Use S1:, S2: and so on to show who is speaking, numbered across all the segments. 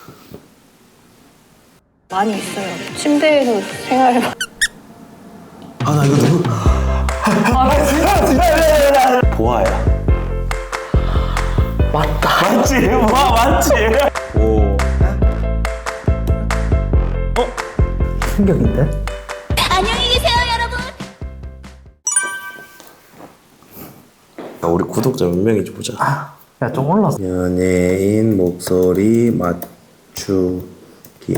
S1: 많이 있어요. 침대에서 생활을.
S2: 아, 나 이거 누구? 보아야.
S3: 맞다.
S2: 맞지? 보아 맞지? 오.
S3: 충격인데?
S4: 안녕히 계세요, 여러분.
S2: 우리 구독자 몇 명인지 보자.
S3: 야, 좀 올랐어.
S2: 연예인 목소리 맞추기.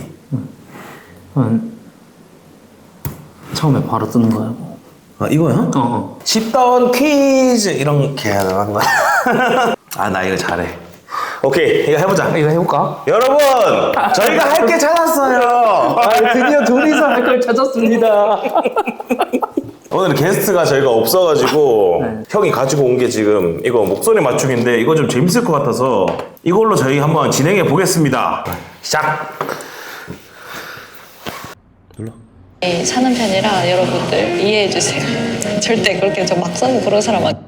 S3: 처음에 바로 뜨는 거야. 뭐.
S2: 아, 이거야?
S3: 어.
S2: 쉽던 퀴즈 이렇게 하는 거야. 아, 나 이거 잘해. 오케이, 이거 해보자.
S3: 이거 해볼까?
S2: 여러분, 저희가 할 게 찾았어요.
S3: 드디어 둘이서 할 걸 찾았습니다.
S2: 오늘 게스트가 저희가 없어가지고
S3: 네.
S2: 형이 가지고 온 게 지금 이거 목소리 맞추기인데 이거 좀 재밌을 것 같아서 이걸로 저희 한번 진행해 보겠습니다. 시작. 눌러.
S1: 사는 편이라 여러분들 이해해 주세요. 절대 그렇게 저 막 써고 그런 사람 아니에요.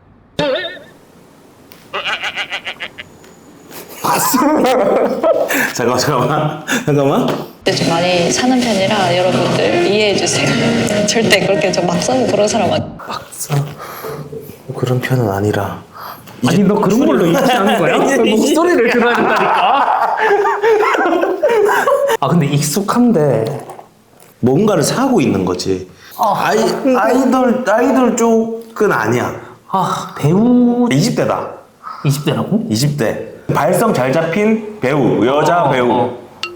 S2: 잠깐만.
S1: 근데 좀 많이 사는 편이라 여러분들 이해해 주세요. 절대 그렇게 저 막 써고 그런 사람 아니에요.
S2: 그런 편은 아니라.
S3: 아니, 너 그런 걸로 인지하는 거야? 목소리를 들어야 된다니까. 아, 근데 익숙한데.
S2: 뭔가를 사고 있는 거지. 아이돌 쪽은 아니야.
S3: 아, 배우
S2: 20대다.
S3: 20대라고?
S2: 20대. 발성 잘 잡힌 배우, 여자 배우.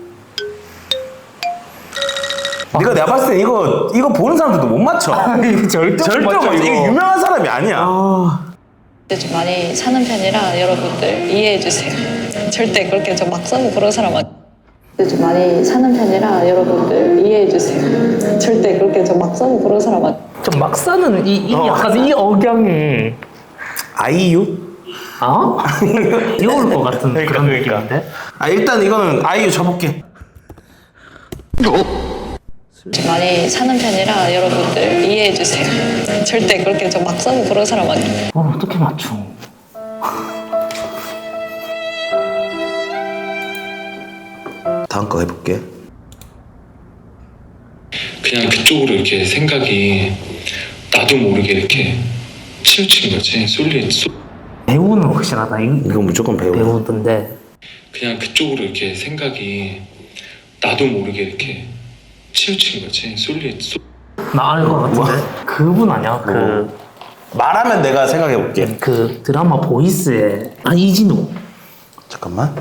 S2: 네가 내가 봤을 때 이거 보는 사람들도 못 맞춰. 절대 못 맞춰. 이게 유명한 사람이 아니야.
S1: 근데 좀 많이 사는 편이라 여러분들 이해해 주세요. 절대 그렇게 저 막 써고 그런 사람 아니에요. 근데 좀 많이 사는 편이라 여러분들 이해해 주세요. 절대 그렇게 저 막 써고 그런 사람 아니에요.
S3: 좀 막 사는 이 약간 이 억양이.
S2: 아이유?
S3: 어? 귀여울 것 같은 그런 느낌인데?
S2: 일단 이거는 아이유 쳐볼게.
S1: 좀 많이 사는 편이라 여러분들 이해해 주세요. 절대 그렇게 저 막 써고 그런 사람 아니에요.
S3: 어떻게 맞춰?
S2: 다음 거 해볼게.
S5: 그냥 그쪽으로 이렇게 생각이 나도 모르게 이렇게 치우친 거지.
S3: 배우는 확실하다.
S2: 이건 무조건 배우야.
S3: 배우던데.
S5: 그냥 그쪽으로 이렇게 생각이 나도 모르게 이렇게 치우친 거지.
S3: 나 알 것 같은데? 그분 아니야?
S2: 말하면 내가 생각해볼게.
S3: 그 드라마 보이스의 이진우.
S2: 잠깐만.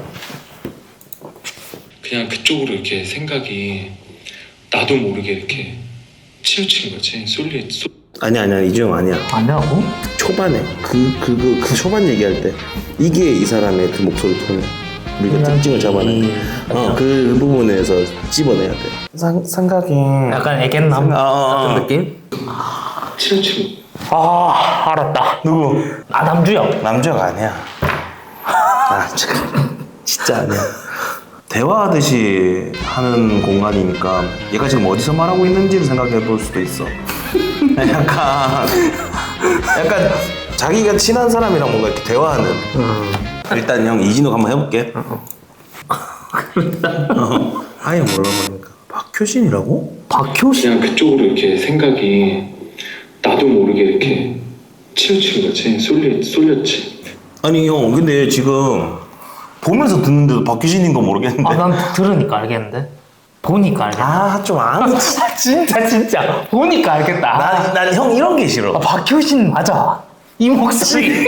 S5: 그냥 그쪽으로 이렇게 생각이 나도 모르게 이렇게 치우친 거지.
S2: 아니야, 이주영 아니야.
S3: 아니라고?
S2: 초반에 그 초반 얘기할 때 이게 이 사람의 그 목소리 톤이야. 우리가 특징을 잡아내. 그 부분에서 집어내야 돼. 생각이
S3: 약간 애견남 같은 느낌?
S5: 치우친
S3: 알았다.
S2: 누구?
S3: 남주혁.
S2: 남자가 아니야. 진짜 아니야. 대화하듯이 하는 공간이니까 얘가 지금 어디서 말하고 있는지를 생각해 볼 수도 있어. 약간 자기가 친한 사람이랑 뭔가 이렇게 대화하는. 일단 형 이진욱 한번 해볼게. 아예 몰라 보니까 박효신이라고?
S3: 박효신?
S5: 그냥 그쪽으로 이렇게 생각이 나도 모르게 이렇게 치우친 거지. 쏠렸지.
S2: 아니 형 근데 지금 보면서 듣는데도 박효신인 거 모르겠는데.
S3: 난 들으니까 알겠는데? 보니까 알겠다.
S2: 좀 아는.
S3: 진짜 보니까 알겠다.
S2: 난 형 이런 게 싫어.
S3: 박효신 맞아. 이 목소리.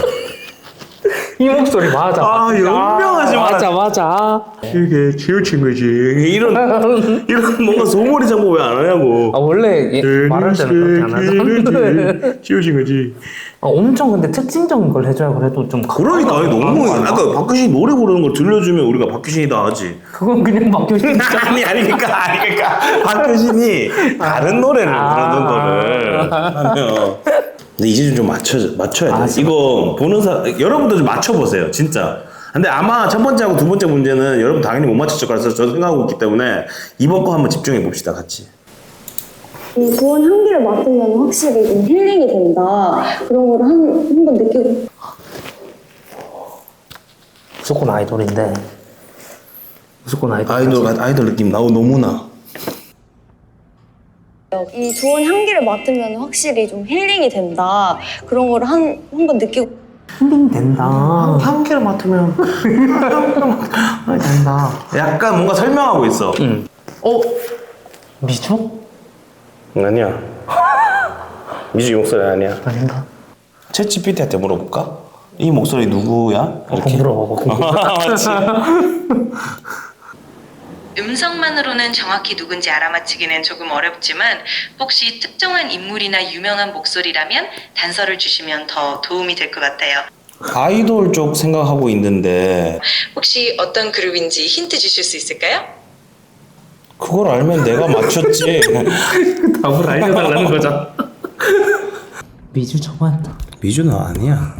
S3: 이 목소리 맞아.
S2: 연명하지 마라.
S3: 맞아.
S2: 이게 치우친 거지. 이런 뭔가 소머리 장보 왜 안 하냐고.
S3: 원래 말할 때는 그렇게 안 하잖아.
S2: 치우친 거지.
S3: 엄청 근데 특징적인 걸 해줘야 그래도 좀
S2: 그러니까 아니, 너무 아까 박효신 노래 부르는 걸 들려주면 우리가 박효신이다 하지.
S3: 그건 그냥 박효신.
S2: 그러니까 박효신이 다른 노래를 부르는 거를 하면. 근데 이제 좀 맞춰야 돼. 이거 보는 여러분도 좀 맞춰보세요, 진짜. 근데 아마 첫 번째하고 두 번째 문제는 여러분 당연히 못 맞췄을 거라서 저도 생각하고 있기 때문에 이번 거 한번 집중해 봅시다, 같이.
S6: 이 좋은 향기를 맡으면 확실히 좀 힐링이 된다. 그런 걸 한번 느끼고.
S3: 무조건 아이돌인데 무조건 아이돌.
S2: 아이돌 느낌 나오 너무나.
S6: 이 좋은 향기를 맡으면 확실히 좀 힐링이 된다. 그런 거를 한번 느끼고
S3: 힐링 된다. 향기를 맡으면 된다.
S2: 약간 뭔가 설명하고 있어.
S3: 응. 미주?
S2: 아니야. 미주 목소리 아니야.
S3: 아닌가?
S2: 챗GPT한테 물어볼까? 이 목소리 누구야? 이렇게.
S3: 물어봐봐.
S2: 맞지?
S7: 음성만으로는 정확히 누군지 알아맞히기는 조금 어렵지만 혹시 특정한 인물이나 유명한 목소리라면 단서를 주시면 더 도움이 될 것 같아요.
S2: 아이돌 쪽 생각하고 있는데
S7: 혹시 어떤 그룹인지 힌트 주실 수 있을까요?
S2: 그걸 알면 내가 맞췄지.
S3: 답을 알려달라는 거잖아. 미주 저거한다.
S2: 미주는 아니야.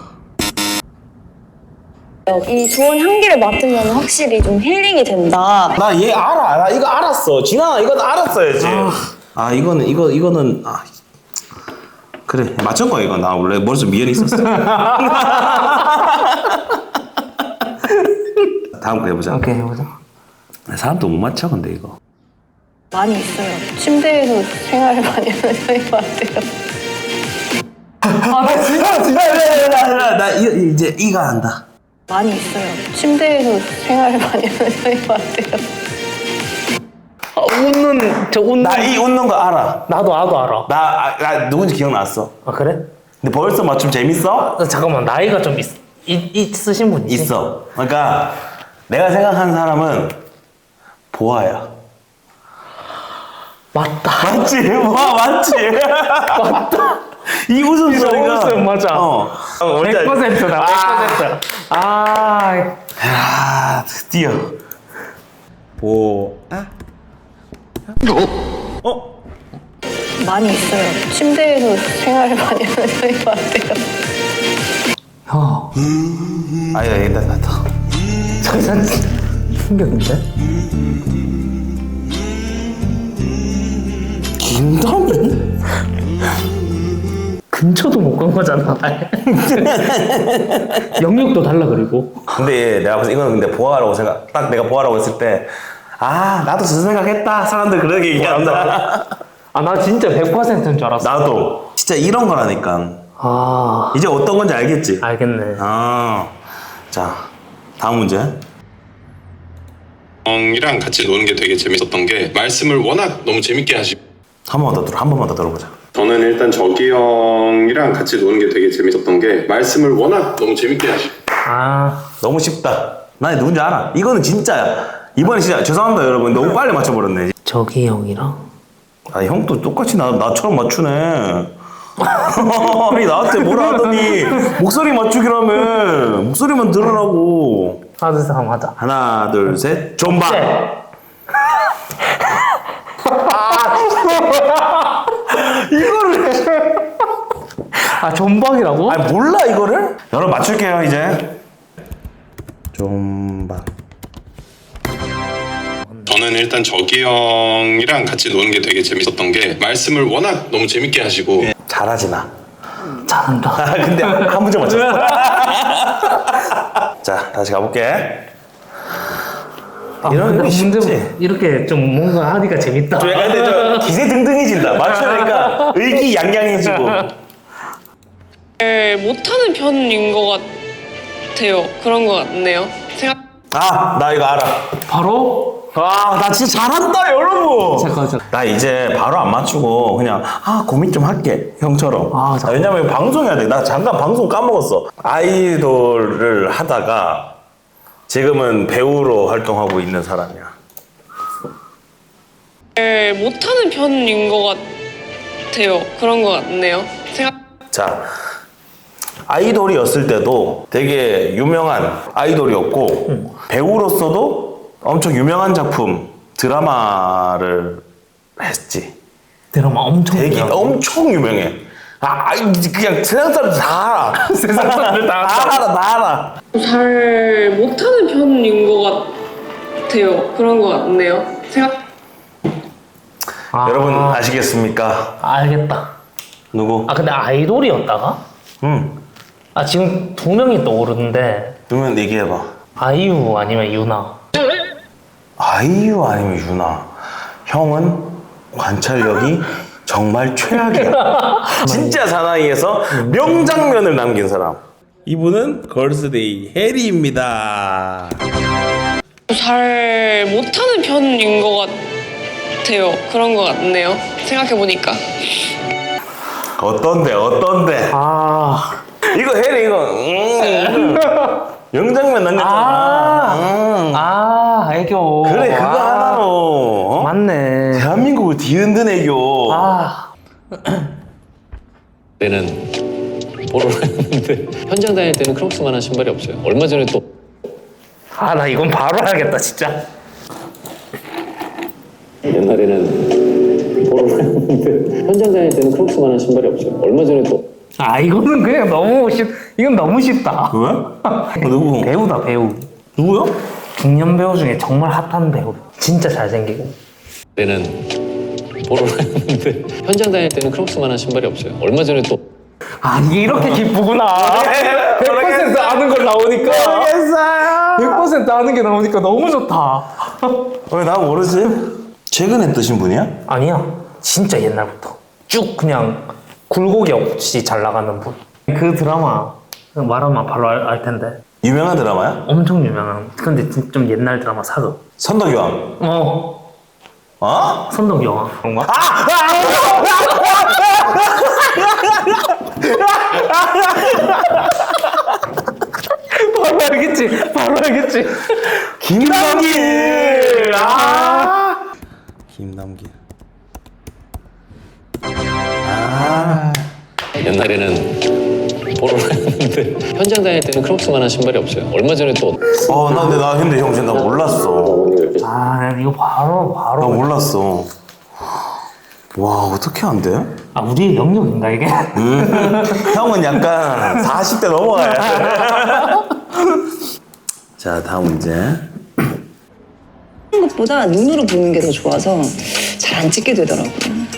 S6: 이 좋은 향기를 맡으면 확실히 좀 힐링이 된다.
S2: 나 얘 알아. 나 이거 알았어. 진아 이건 알았어야지. 이거는 그래 맞춘 거야 이거. 나 원래 머릿속에 미연이 있었어. 다음 거 해보자.
S3: 오케이 해보자.
S2: 사람도 못 맞춰 근데 이거.
S1: 많이 있어요. 침대에서 생활을 많이 하는 편인 것 같아요.
S2: 나 이제 이가 한다.
S1: 많이 있어요. 침대에서 생활을 많이 하는 편인 것 같아요.
S3: 웃는.
S2: 나 이 웃는 거 알아.
S3: 나도 알아.
S2: 나 누군지 기억났어.
S3: 아 그래?
S2: 근데 벌써 맞춤 재밌어?
S3: 잠깐만 나이가 좀 있으신 분이지?
S2: 있어. 그러니까 내가 생각하는 사람은 보아야.
S3: 맞다.
S2: 맞지? 보아 맞지?
S3: 맞다.
S2: 이 웃음소리가
S3: 웃음 맞아. 100%다. 100%.
S2: 아, 드디어 보아.
S1: 많이 있어요. 침대에서 생활을 많이 하는 편인 것 같아요.
S2: 아니다 됐다.
S3: 저 사진 충격인데?
S2: 김다미?
S3: 근처도 못 간 거잖아. 영역도 달라 그리고.
S2: 근데 내가 봤을 때 이거는 근데 보아라고 딱 내가 보아라고 했을 때 나도 저 생각했다. 사람들 그렇게 얘기한다.
S3: 나 진짜 100%인 줄 알았어.
S2: 나도 진짜 이런 거라니까. 이제 어떤 건지 알겠지?
S3: 알겠네.
S2: 자 다음 문제.
S8: 이랑 같이 노는 게 되게 재밌었던 게 말씀을 워낙 너무 재밌게 하시고
S2: 한 번만 더 들어보자.
S8: 저는 일단 저기 형이랑 같이 노는 게 되게 재밌었던 게 말씀을 워낙 너무 재밌게 하시고
S2: 너무 쉽다. 나 누군지 알아. 이거는 진짜야. 이번에 진짜 죄송합니다 여러분. 너무 빨리 맞춰버렸네.
S3: 저기 형이랑?
S2: 형도 똑같이 나처럼 맞추네. 아니 나한테 뭐라 하더니 목소리 맞추기라며. 목소리만 들으라고.
S3: 하나 둘 셋 한번 하자.
S2: 하나 둘 셋. 존박. 이거를
S3: 존박이라고?
S2: 몰라 이거를? 여러분 맞출게요 이제. 존박.
S8: 저는 일단 저기 형이랑 같이 노는 게 되게 재밌었던 게 말씀을 워낙 너무 재밌게 하시고
S2: 잘하지 나.
S3: 잘한다.
S2: 근데 한 문제 맞췄어. 자 다시 가볼게. 이런 거 쉽지.
S3: 이렇게 좀 뭔가 하니까 재밌다.
S2: 근데 저 기세등등해진다. 맞추니까 의기양양해지고.
S9: 못하는 편인 것 같아요. 그런 것 같네요.
S2: 나 이거 알아.
S3: 바로?
S2: 나 진짜 잘한다 여러분.
S3: 잠깐.
S2: 나 이제 바로 안 맞추고 그냥 고민 좀 할게 형처럼. 왜냐면 방송해야 돼. 나 잠깐 방송 까먹었어. 아이돌을 하다가 지금은 배우로 활동하고 있는 사람이야.
S9: 못하는 편인 것 같아요. 그런 것 같네요.
S2: 자, 아이돌이었을 때도 되게 유명한 아이돌이었고 배우로서도 엄청 유명한 작품 드라마를 했지.
S3: 드라마 엄청
S2: 되게
S3: 유명하고.
S2: 엄청 유명해. 그냥 세상 사람들 다 알아.
S3: 세상 사람들 다
S2: 알아.
S9: 잘 못하는 편인 것 같아요. 그런 것 같네요.
S2: 여러분 아시겠습니까?
S3: 알겠다.
S2: 누구?
S3: 근데 아이돌이었다가?
S2: 응.
S3: 지금 두 명이 떠오르는데
S2: 누면 얘기해봐.
S3: 아이유 아니면 유나?
S2: 아이유 아니면 유나. 형은 관찰력이 정말 최악이야. 진짜 사나이에서 명장면을 남긴 사람. 이분은 걸스데이 해리입니다.
S9: 잘 못하는 편인 것 같아요. 그런 것 같네요. 생각해보니까.
S2: 어떤데?
S3: 아,
S2: 이거 해리 이거 명장면 남겼잖아.
S3: 애교.
S2: 그래 그거 하나로 어?
S3: 맞네.
S2: 대한민국을 뒤흔든 애교.
S10: 때는 포로를 했는데 현장 다닐 때는 크록스만한 신발이 없어요. 얼마 전에 또
S3: 나 이건 바로 해야겠다, 진짜.
S10: 옛날에는 포로를 했는데 현장 다닐 때는 크록스만한 신발이 없어요. 얼마 전에 또
S3: 이거는 그냥 이건 너무 쉽다.
S2: 왜? 누구?
S3: 배우다, 배우.
S2: 누구요?
S3: 중년 배우 중에 정말 핫한 배우. 진짜 잘생기고.
S10: 때는 포로를 했는데 현장 다닐 때는 크록스만한 신발이 없어요. 얼마 전에 또
S3: 이게 이렇게 기쁘구나. 100% 아는 걸 나오니까.
S2: 모르겠어요.
S3: 100% 아는 게 나오니까 너무 좋다.
S2: 왜 나 모르지? 최근에 뜨신 분이야?
S3: 아니야. 진짜 옛날부터. 쭉 그냥 굴곡이 없이 잘 나가는 분. 그 드라마 말하면 바로 알 텐데.
S2: 유명한 드라마야?
S3: 엄청 유명한. 근데 좀 옛날 드라마 사극.
S2: 선덕여왕. 어?
S3: 선덕여왕. 그런가? 바로 알겠지.
S2: 김남길. 김남길.
S10: 옛날에는 포로를 했는데 현장 다닐 때는 크록스만한 신발이 없어요. 얼마 전에 또
S2: 근데 형 진짜 나 몰랐어.
S3: 이거 바로.
S2: 나 몰랐어. 와, 어떻게 안 돼?
S3: 우리의 영역인가 이게?
S2: 형은 약간 40대 넘어가야 돼. 자, 다음 문제.
S1: 것보다 눈으로 보는 게 더 좋아서 잘 안 찍게 되더라고요.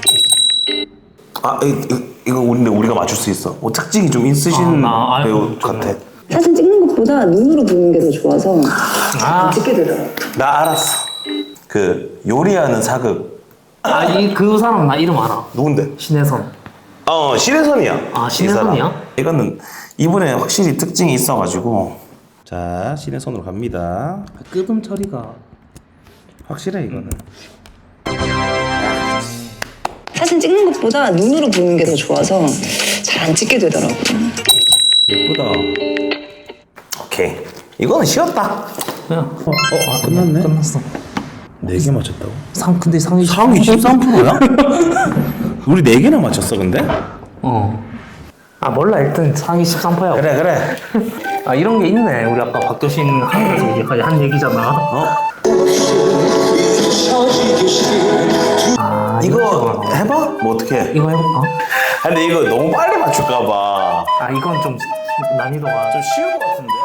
S2: 이거 우리가 맞출 수 있어. 특징이 좀 있으신 배우 같아.
S1: 사진 찍는 것보다 눈으로 보는 게 더 좋아서 잘 안 찍게 되더라고요.
S2: 나 알았어. 그 요리하는 사극.
S3: 그 사람 나 이름 알아.
S2: 누군데?
S3: 신혜선.
S2: 신혜선이야.
S3: 신혜선이야?
S2: 이거는 이번에 확실히 특징이 있어가지고. 자, 신혜선으로 갑니다.
S3: 끄듬 처리가
S2: 확실해 이거는.
S1: 사진 찍는 것보다 눈으로 보는 게 더 좋아서 잘 안 찍게 되더라고요.
S2: 예쁘다. 오케이. 이거는 쉬웠다.
S3: 그냥.
S2: 끝났네.
S3: 끝났어.
S2: 4개 맞췄다고?
S3: 근데 상이
S2: 13%야? 우리 4개나 맞췄어 근데?
S3: 몰라. 일단 상이 13%야.
S2: 그래.
S3: 이런 게 있네. 우리 아까 박교신 하면서 얘기까지 한 얘기잖아.
S2: 이거 해봐? 뭐 어떻게 해?
S3: 이거 해볼까?
S2: 근데 이거 너무 빨리 맞출까봐
S3: 이건 좀 난이도가
S2: 좀 쉬운 것 같은데?